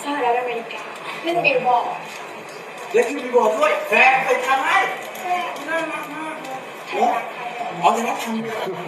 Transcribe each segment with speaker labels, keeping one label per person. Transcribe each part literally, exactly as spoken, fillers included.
Speaker 1: หรัฐอเมริกาขึ้นบิลบอร์ด
Speaker 2: เล่นขึ้นบิลบอร์ดด้วยแฟนเคยทำไหมน่ารักมากเลยโอ้อ๋อจะรับทำ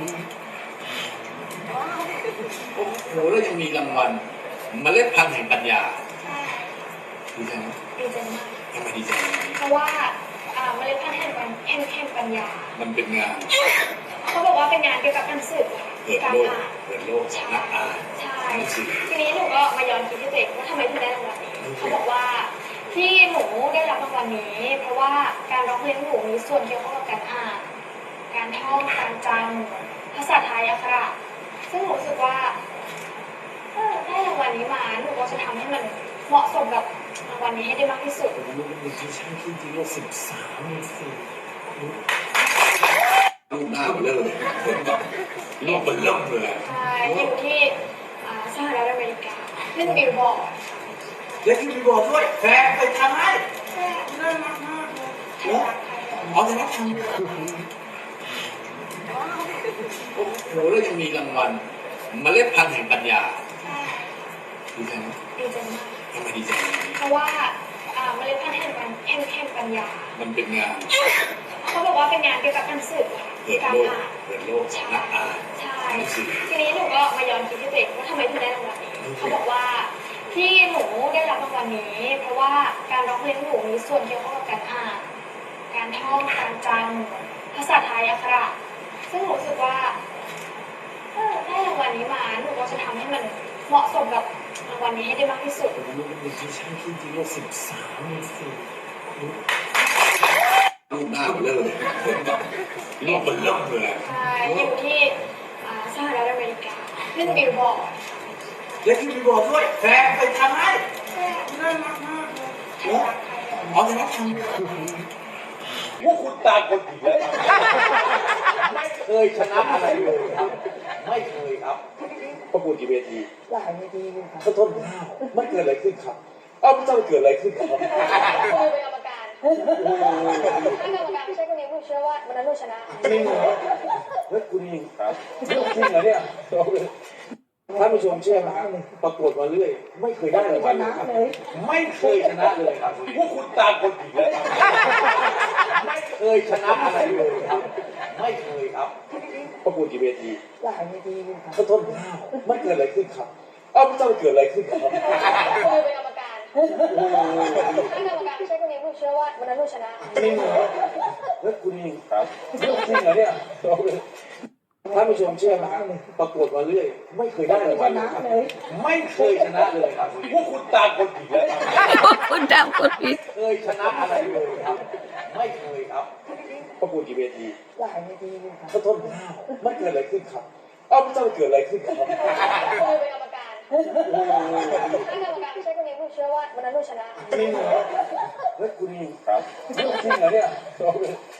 Speaker 2: โอ้โหแล้วยังมีรางวัลเมล็ดพันธุ์แห่งปัญญาดีใจไหม
Speaker 1: ดีใจมาก
Speaker 2: ทำไมดีใจ
Speaker 1: เพราะว่าอ่าเมล็ดพันธุ์แห่งปัญแห่งแห่งปัญญา
Speaker 2: มันเป็นงาน
Speaker 1: เขาบอกว่าเป็นงานเกี่ยวกับการสืบ
Speaker 2: เปิด
Speaker 1: การ
Speaker 2: โลก
Speaker 1: อ่าน
Speaker 2: เปิดโลกนักอ่าน
Speaker 1: ใช่
Speaker 2: หนังสือ
Speaker 1: ทีนี้หนูก็มาย้อนคิดที่ตัวเองว่าทำไมถึงได้รางวัลนี้เขาบอกว่าที่หนูได้รับรางวัลนี้ เพราะว่าการร้องเพลงของหนูมีส่วนเกี่ยวข้องกับการอ่านการท่องการจำภาษาไทยอักขระซึ่งหนูรู้สึกว่าเออได้รางวัลนี้มาหนูก็จะทำให้มันเหมาะสมกับรางวัลนี้ให้ได้มากที่สุด
Speaker 2: ผมรู้ว่าที่ช่างที่จริงว่าสิบสามสี่ลูกหน้ามันเริ่มเลยลูกมันเริ่มเลย
Speaker 1: ใช่อยู่ที่อ่าสหรัฐอเมริกาขึ้นบิลบอร์ด
Speaker 2: เล่นขึ้นบิลบอร์ดด้วยแฟนเคยทำไหมน่ารักมากเลยโอ้อ๋อจะรับทำโอ้โหแล้วยังมีรางวัลเมล็ดพันธุ์แห่งปัญญาดีใจไหม
Speaker 1: ดีใจมาก
Speaker 2: ทำไมดีใจ
Speaker 1: เพราะว่าอ่าเมล็ดพันธุ์แห่งปัญแห่งแห่งปัญญา
Speaker 2: มันเป็นงาน
Speaker 1: เขาบอกว่าเป็นงานเกี่ยวกับการสืบ
Speaker 2: เปิด
Speaker 1: การ
Speaker 2: โลก
Speaker 1: อ่าน
Speaker 2: เปิดโลกนักอ่าน
Speaker 1: ใช่
Speaker 2: หนังสือ
Speaker 1: ทีนี้หนูก็มาย้อนคิดที่ตัวเองว่าทำไมถึงได้รางวัลนี้เขาบอกว่าที่หนูได้รับรางวัลนี้ เพราะว่าการร้องเพลงของหนูมีส่วนเกี่ยวข้องกับการอ่านการท่องการจำภาษาไทยอักขระซึ่งหนูรู้สึกว่าเออได้รางวัลนี้มาหนูก็จะทำให้มันเหมาะสมกับรางวัลนี้ให้ได้มากที่สุด
Speaker 2: ผมรู้ว่าที่ช่างที่จริงว่าสิบสามสี่ลูกหน้ามันเริ่มเลยลูกมันเริ่มเลย
Speaker 1: ใช่อยู่ที่อ่าสหรัฐอเมริกาขึ้นบิลบอร์ด
Speaker 2: เล่นขึ้นบิลบอร์ดด้วยแฟนเคยทำไหมน่ารักมากเลยโอ้อ๋อจะรับทำพวกคุณตามคนผิดเลยไม่เคยชนะอะไรเลยครับไม่เคยครับประกวดกี่เวที
Speaker 3: หลายนาทีค่ะ
Speaker 2: ขอโทษข้าวมันเกิดอะไรขึ้นครับเอ้าไม่ต้องเกิดอะไรขึ้นครับ
Speaker 1: เคยเป็นกรรมการถ้ากรรมการไม่ใช่คนนี้หนูเชื่อว่าวันนั้นหนูชนะ
Speaker 2: จริงเหรอเฮ้ยคุณเองครับจริงเหรอเนี่ยท่านผู้ชมเชื่อไหมประกวดมาเรื่อยไม่เคยได้รางวัลเลยครับไม่เคยชนะเลยครับพวกคุณตามคนผิดเลยไม่เคยชนะอะไรเลยครับไม่เคยครับประกวดกี่เวที
Speaker 3: หลายนาทีค่ะ
Speaker 2: ขอโทษข้าวมันเกิดอะไรขึ้นครับเอ้าไม่ต้องเกิดอะไรขึ้นครับ
Speaker 1: เคยเป็นกรรมการถ้ากรรมการไม่ใช่คนนี้หนูเชื่อว่าวันนั้นหนูชนะ
Speaker 2: จริงเหรอเฮ้ยคุณเองครับจริงเหรอเนี่ยท่านผู้ชมเชื่อไหมประกวดมาเรื่อยไม่เคยได้รางวัลเลยครับไม่เคยชนะเลยครับพวกคุณตามคนผิดเลย
Speaker 3: คุณดำคนผิด
Speaker 2: เคยชนะอะไรเลยครับไม่เคยครับประกวดกี่เวที
Speaker 3: หลายนาทีค่ะ
Speaker 2: ขอโทษข้าวมันเกิดอะไรขึ้นครับเอ้าไม่ต้องเกิดอะไรขึ้นครับ
Speaker 1: เคยเป็นกรรมการถ้ากรรมการไม่ใช่คนนี้หนูเชื่อว่าวันนั้นหนูชนะ
Speaker 2: จริงเหรอเฮ้ยคุณเองครับจริงเหรอเนี่ย